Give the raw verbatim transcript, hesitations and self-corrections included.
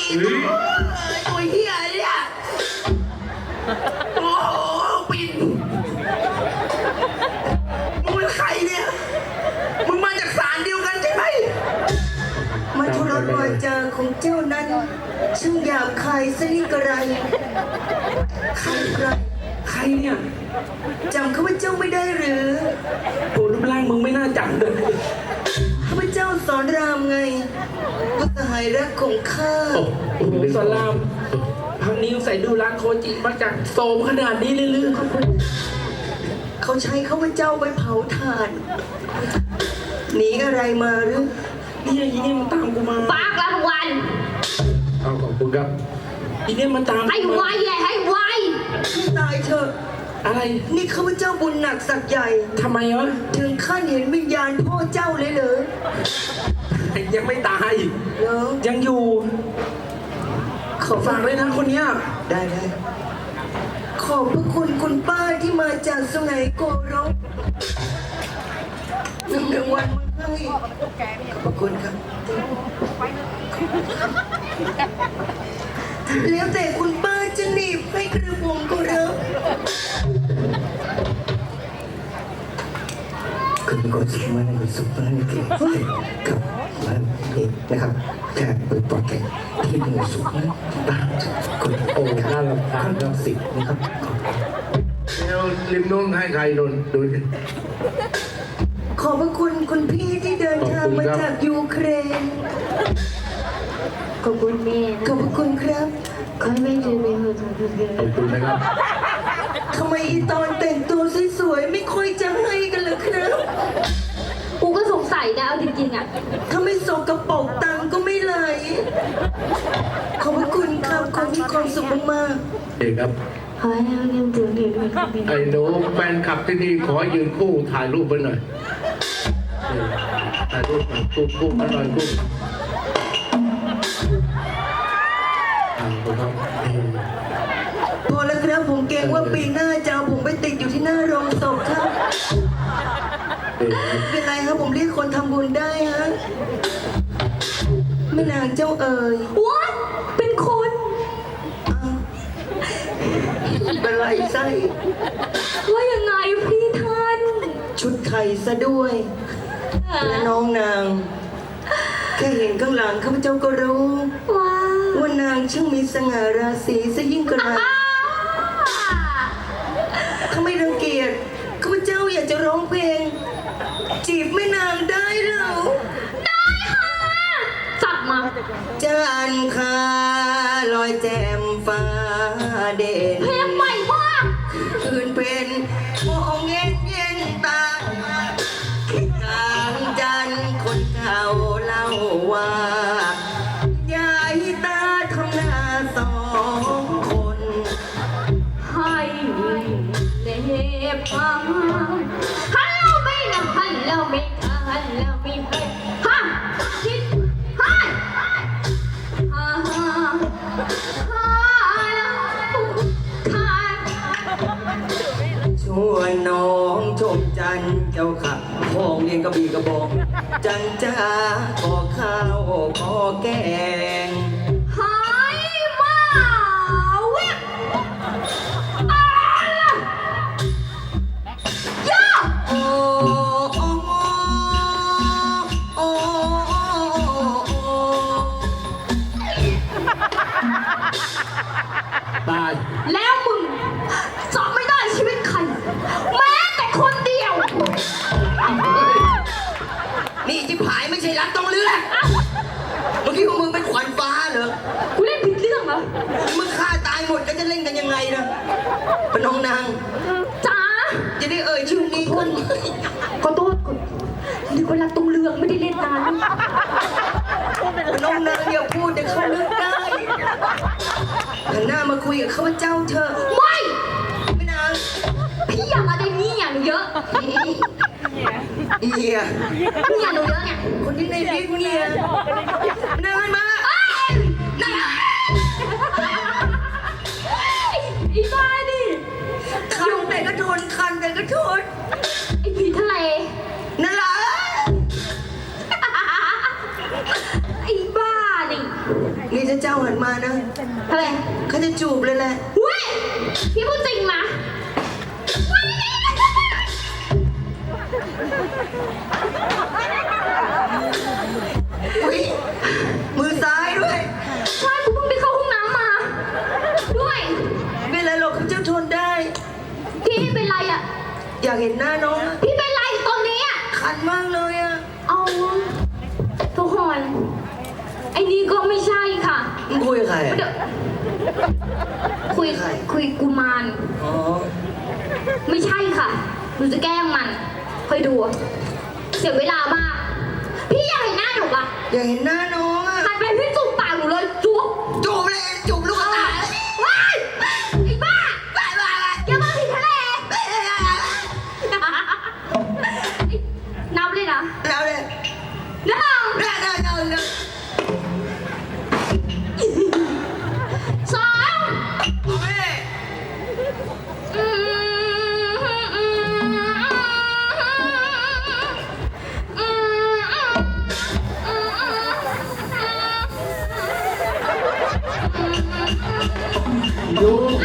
ตัวเฮียเนี่ยโอ้โหปิ่นมึงเป็นใครเนี่ยมึงมาจากศาลเดียวกันใช่ไหมมาทุรวาจาของเจ้านั้นช่างหยาบคายซะนี่กระไรใครใครใครเนี่ยจำข้าพเจ้าไม่ได้หรือโอ้รูปร่างมึงไม่น่าจำเลยข้าพเจ้าสอนรามไงพระสหายรักของข้าโอ้โหสอนรามพังนี้ใส่ดูร้านโคจิมาจากโซมขนาดนี้เลยหรือเขาใช้ข้าพเจ้าไปเผาถ่านหนีอะไรมาหรือนี่ไอ้ยี่นี่มันตามกูมาปากละวันเอาขอบคุณครับอีเนี่ยมันตามให้ไวใหญ่ให้ไวให้ตายเถอะอะไรนี่ข้าพเจ้าบุญหนักสักใหญ่ทำไมวะถึงขั้นเห็นวิญญาณพ่อเจ้าเลยเหรอยังไม่ตายเหรอยังอยู่ขอฝากเลยนะคนเนี้ยได้ได้ขอบพระคุณคุณป้าที่มาจากสุไหงโกรกนำรางวัลมาให้ขอบพระคุณครับแล้วแต่คุณป้าจะหนีบให้กระผมก็รับคุณก็ชิมว่าในสุภาพนี่เก่งครับมันเองนะครับแค่เปิดปอดแก่ที่มือสุภาพบ้านคุณโอ้น่ารำคาญรับสิทธิ์นะครับแล้วริมนู้นให้ใครโดนดูดิขอบพระคุณคุณพี่ที่เดินทางมาจากยูเครนขอบคุณแม่ขอบคุณครับขอให้แม่เจอแม่ขอบคุณขอบคุณนะครับทำไมอีตอนแต่งตัวสวยๆไม่ค่อยจะให้กันเลยครับกูก็สงสัยนะเอาจริงๆอ่ะถ้าไม่สกกระป๋องตังก็ไม่ไหลขอบคุณครับขอมีความสุขมากเด็กครับขอให้แม่เงินถึงเดือนด้วยไอ้หนูแฟนคลับที่นี่ขอยืนคู่ถ่ายรูปไปหน่อยถ่ายรูปหน่อยคู่คู่มาหน่อยคู่พอแล้วครับผมเกรงว่าปีหน้าจะเอาผมไปติดอยู่ที่หน้าโรงศพครับเป็นไรครับผมเรียกคนทำบุญได้ฮะแม่นางเจ้าเอ๋ยว้าเป็นคนเป็นไรไส้ว่ายังไงพี่ท่านชุดไทยซะด้วยและน้องนางแค่เห็นข้างหลังข้าพเจ้าก็รู้ว่าว่านางช่างมีสง่าราศีซะยิ่งกระไรถ้าไม่รังเกียจข้าพเจ้าอยากจะร้องเพลงจีบแม่นางได้หรือได้ค่ะจัดมาจันทราลอยแจ่มฟ้าเด่นเพลงใหม่มากคืนเป็นมองเย็นเย็นตาคิดกลางจันคนเก่าเล่าว่ายายตาทำนาสองคนให้เล็บฟังฮัลโหลไม่นะฮัลโหลไม่ฮัลโหลไม่ฮะคิดฮัลฮ่าฮ่าฮ่าชวนน้องชมจันเจ้าขับพองเรียนกระบี่กระบอกจันจ้าขอข้าวขอแกงหายมาเว็บอะไรย่าโอ้โอ้โอ้ตายแล้วมึงจะไม่ได้ชีวิตใครแม้แต่คนเดียวนี่ที่ผายไม่ใช่รักต้องเลือกเมื่อกี้พวกมึงเป็นขวัญฟ้าเหรอกูเล่นผิดเรื่องเหรอมึงฆ่าตายหมดก็จะเล่นกันยังไงนะเป็นน้องนางจ๋าจะได้เอ่ยชื่อนี้คนขอโทษนี่คนรักต้องเลือกไม่ได้เล่นนานน้องนางอย่าพูดเดี๋ยวเขาเลือกได้หันหน้ามาคุยกับข้าพเจ้าเถอะไม่ไม่นางพี่อยากอะไรนี่อย่างเยอะเอียนี่อย่างหนูเยอะเนี่ยคนที่ในลิฟต์เนี่ยนางมานั่นอีบ้าดิคันแต่ก็ทนคันแต่ก็ทนไอ้ผีทะเลนั่นแหละไอ้บ้าดินี่ถ้าเจ้าหันมานะทำไมเขาจะจูบเลยแหละเว้ยพี่พูดจริงนะเว้ยอุ้ยมือซ้ายด้วยใช่กูเพิ่งไปเข้าห้องน้ำมา ด้วยไม่เป็นไรหรอกเขาเจ้าทนได้พี่เป็นไรอ่ะอยากเห็นหน้าน้องอะพี่เป็นไรตอนนี้อ่ะคันมากเลยอะเอาทุกคนไอ้นี่ก็ไม่ใช่ค่ะมึงคุยกับใครอะเดี๋ยวคุยใครคุยกุมารอ๋อไม่ใช่ค่ะหนูจะแกล้งมันคอยดู เสียเวลามาก พี่อยากเห็นหน้าหนูปะอยากเห็นหน้าน้องอะหันไปพี่จูบปากหนูเลยจุ๊บจูบเลยจูบลูกตาว้ายไอ้บ้าไปไปไปอย่ามาผิดทะเลนับเลยนะแล้วเลยหนึ่งได้ได้ได้ได้สองโอ้ยอืมอืมอืมอืมอยู่